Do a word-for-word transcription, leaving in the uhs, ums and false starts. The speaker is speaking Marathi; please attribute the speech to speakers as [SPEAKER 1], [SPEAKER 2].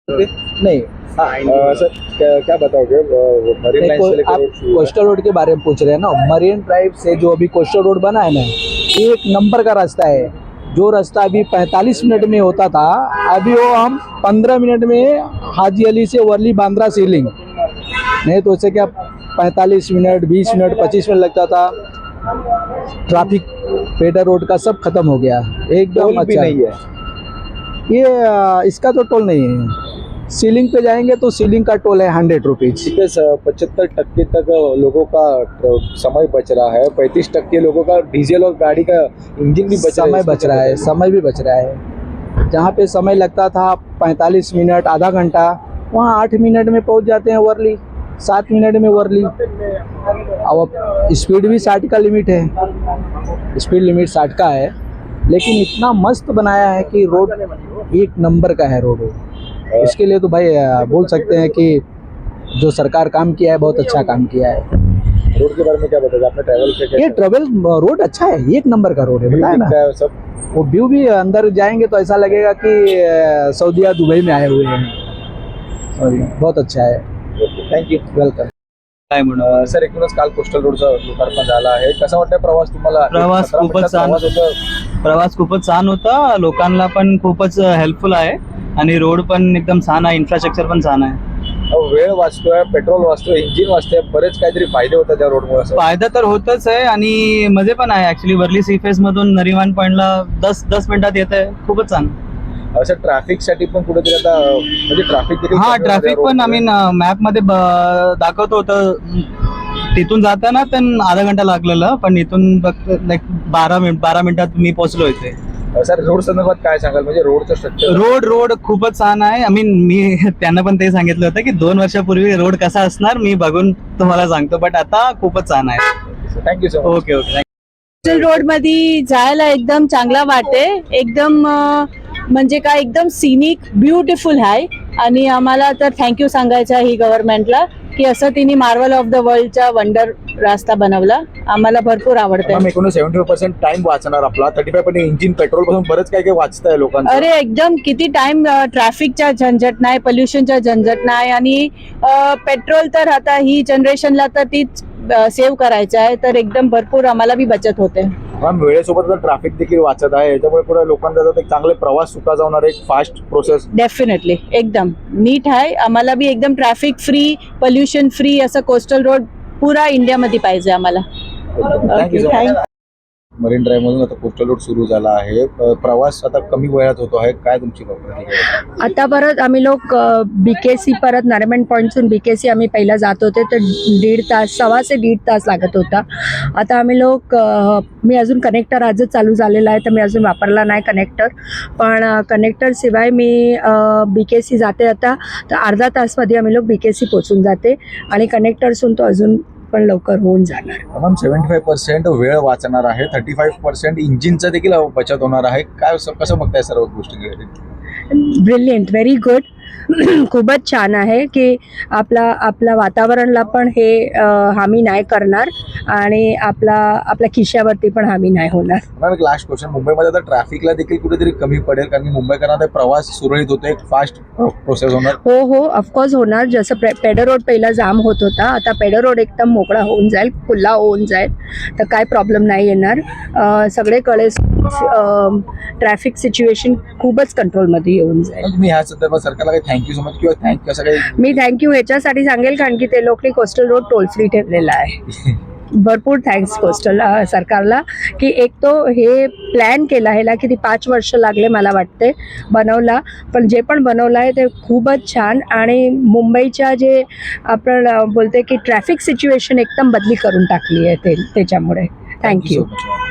[SPEAKER 1] नहीं
[SPEAKER 2] हाँ सर क्या, क्या बताओगे मरीन लाइन से लेकर
[SPEAKER 1] आप
[SPEAKER 2] रोड शुरू
[SPEAKER 1] कोस्टल रोड के बारे में पूछ रहे हैं ना। मरीन ड्राइव से जो अभी कोस्टल रोड बना है ना, एक नंबर का रास्ता है। जो रास्ता अभी पैंतालीस मिनट में होता था, अभी वो हम पंद्रह मिनट में हाजी अली से वर्ली बांद्रा सीलिंग, नहीं तो उससे क्या पैंतालीस मिनट बीस मिनट पच्चीस मिनट लगता था। ट्रैफिक पेडर रोड का सब खत्म हो गया एकदम।
[SPEAKER 2] टोल भी
[SPEAKER 1] अच्छा
[SPEAKER 2] नहीं है।
[SPEAKER 1] ये आ, इसका तो टोल नहीं है। सीलिंग पे जाएंगे तो सीलिंग का टोल है हंड्रेड रुपीज।
[SPEAKER 2] पचहत्तर टक्के तक लोगों का समय बच रहा है, पैंतीस टक्के लोगों का डीजल और गाड़ी का इंजन भी बच
[SPEAKER 1] समय बच रहा है, समय भी बच रहा है। जहाँ पे समय लगता था पैंतालीस मिनट आधा घंटा, वहाँ आठ मिनट में पहुँच जाते हैं वर्ली, सात मिनट में वर्ली। अब स्पीड भी साठ का लिमिट है, स्पीड लिमिट साठ का है, लेकिन इतना मस्त बनाया है कि रोड एक नंबर का है रोड। इसके लिए तो भाई बोल सकते हैं कि जो सरकार काम किया है बहुत अच्छा काम किया है।
[SPEAKER 2] रोड के बारे में क्या बताओगे, आपने ट्रैवल किया?
[SPEAKER 1] ये ट्रैवल रोड अच्छा है, एक नंबर का रोड है, बताया ना।
[SPEAKER 2] सब
[SPEAKER 1] वो व्यू भी अंदर जाएंगे तो ऐसा लगेगा कि सऊदीया दुबई में आए हुए हैं। और बहुत अच्छा है।
[SPEAKER 2] Thank you,
[SPEAKER 1] welcome.
[SPEAKER 3] काय म्हणून
[SPEAKER 2] सर एकूणच काल कोस्टल रोडचा लोकार्पण झाला आहे, कसा वाटतं प्रवास तुम्हाला?
[SPEAKER 3] प्रवास
[SPEAKER 2] सतरा
[SPEAKER 3] खूपच
[SPEAKER 2] मिनिटात
[SPEAKER 3] छान
[SPEAKER 2] प्रवास होता.
[SPEAKER 3] प्रवास खूपच छान होता. लोकांना पण खूपच हेल्पफुल आहे आणि रोड पण एकदम छान आहे, इन्फ्रास्ट्रक्चर पण छान आहे.
[SPEAKER 2] वेळ वाचतोय, पेट्रोल वाचतोय, इंजिन वाचतोय, बरेच काहीतरी फायदे होतात त्या रोडमुळे.
[SPEAKER 3] फायदा तर होतच आहे आणि मजे पण आहे. ऍक्च्युली वर्ली सी फेस मधून नरिमान पॉइंटला दस दस मिनिटात येत आहे, खूपच छान.
[SPEAKER 2] असं ट्रॅफिक साठी पण कुठेतरी आता म्हणजे ट्रॅफिक
[SPEAKER 3] हा ट्रॅफिक पण आम्ही मॅप मध्ये दाखवतो होतं. तिथून जाताना पण आधा घंटा लागलेला, पण इथून फक्त लाईक बारा मिनिट बारा मिनिटात मी पोहोचलो इथे.
[SPEAKER 2] सर रोड संदर्भात काय सांगाल, म्हणजे रोडचं स्ट्रक्चर?
[SPEAKER 3] रोड रोड खूपच छान आहे. आय मीन मी त्यांना पण ते सांगितलं होतं की दोन वर्षापूर्वी रोड कसा असणार मी बघून तुम्हाला सांगतो, बट आता खूपच छान आहे.
[SPEAKER 2] Thank you sir.
[SPEAKER 3] Okay okay.
[SPEAKER 4] Road मध्ये जायला एकदम चांगला वाटते. एकदम म्हणजे काय एकदम सिनिक ब्युटिफुल आहे आणि आम्हाला तर थँक्यू सांगायचं आहे ही गव्हर्नमेंटला की असं तिने मार्वल ऑफ द वर्ल्डचा वंडर रास्ता बनवला. आम्हाला भरपूर आवडतं.
[SPEAKER 2] एकूण सेव्हन्टी पर्सेंट टाइम वाचणार आपला, thirty five percent engine petrol पासून बरंच काय काय वाचतंय लोकांचं.
[SPEAKER 4] अरे एकदम किती टाइम ट्रॅफिकचा झंझट नाही, पोल्युशनचा झंझट नाही आणि पेट्रोल तर आता ही जनरेशनला तर तीच सेव्ह करायचं आहे, तर एकदम भरपूर आम्हाला बी बचत होते.
[SPEAKER 2] मॅम वेळेसोबत ट्रॅफिक देखील वाचत आहे, याच्यामुळे पुढे लोकांचा एक चांगले प्रवास सुका जाणार, एक फास्ट प्रोसेस.
[SPEAKER 4] डेफिनेटली एकदम नीट आहे. आम्हाला बी एकदम ट्रॅफिक फ्री, पोल्युशन फ्री असं कोस्टल रोड पुरा इंडियामध्ये पाहिजे आम्हाला.
[SPEAKER 2] Thank you so much. Marine drive मधून आता कोस्टल रोड सुरू झाला आहे, प्रवास आता कमी वेळात होतो आहे, काय तुमची प्रतिक्रिया?
[SPEAKER 5] आता परत आम्ही लोक बीकेसी परत नारिमन पॉईंटसून बीकेसी आम्ही पहिला जात होते तर दीड तास सव्वा ते दीड तास लागत होता. आता आम्ही लोक मी अजून कनेक्टर आजच चालू झालेला आहे तर मी अजून वापरला नाही कनेक्टर, पण कनेक्टर शिवाय मी बीकेसी जाते आता तर अर्धा तासमध्ये आम्ही लोक बीकेसी पोचून जाते आणि कनेक्टरसून तो अजून पण लवकर होऊन जाणार.
[SPEAKER 2] मॅम सेव्हन्टी फाईव्ह पर्सेंट वेळ वाचणार आहे, थर्टी फाईव्ह पर्सेंट इंजिनचं देखील बचत होणार आहे, काय कसं बघताय सर्व गोष्टी?
[SPEAKER 5] Brilliant, very good. खूपच छान आहे की आपला आपल्या वातावरणाला पण हे हानी नाही करणार आणि आपला आपल्या खिशावरती पण हानी नाही होणार.
[SPEAKER 2] मॅम एक लास्ट क्वेश्चन, मुंबईमध्ये आता ट्रॅफिकला देखील कुठेतरी कमी पडेल कारण की मुंबईकरांना प्रवास सुरळीत होतो, एक फास्ट प्रोसेस होणार?
[SPEAKER 5] हो हो ऑफकोर्स होणार. जसं पेडर रोड पहिला जाम होत होता, आता पेडर रोड एकदम मोकळा होऊन जाईल, खुला होऊन जाईल, तर काय प्रॉब्लेम नाही येणार. सगळीकडे ट्रॅफिक सिच्युएशन खूपच कंट्रोलमध्ये येऊन जाईल.
[SPEAKER 2] तुम्ही ह्या संदर्भात सरकारला काही थँक्यू सो मच किंवा थँक कसं काही?
[SPEAKER 5] मी थँक्यू ह्याच्यासाठी सांगेल कारण की ते लोकांनी कोस्टल रोड टोल फ्री ठेवलेला आहे. भरपूर थँक्स कोस्टल सरकारला की एक तो हे प्लॅन केला, ह्याला किती पाच वर्ष लागले मला वाटते बनवला, पण जे पण बनवलं आहे ते खूपच छान आणि मुंबईच्या जे आपण बोलते की ट्रॅफिक सिच्युएशन एकदम बदली करून टाकली आहे ते त्याच्यामुळे. थँक्यू.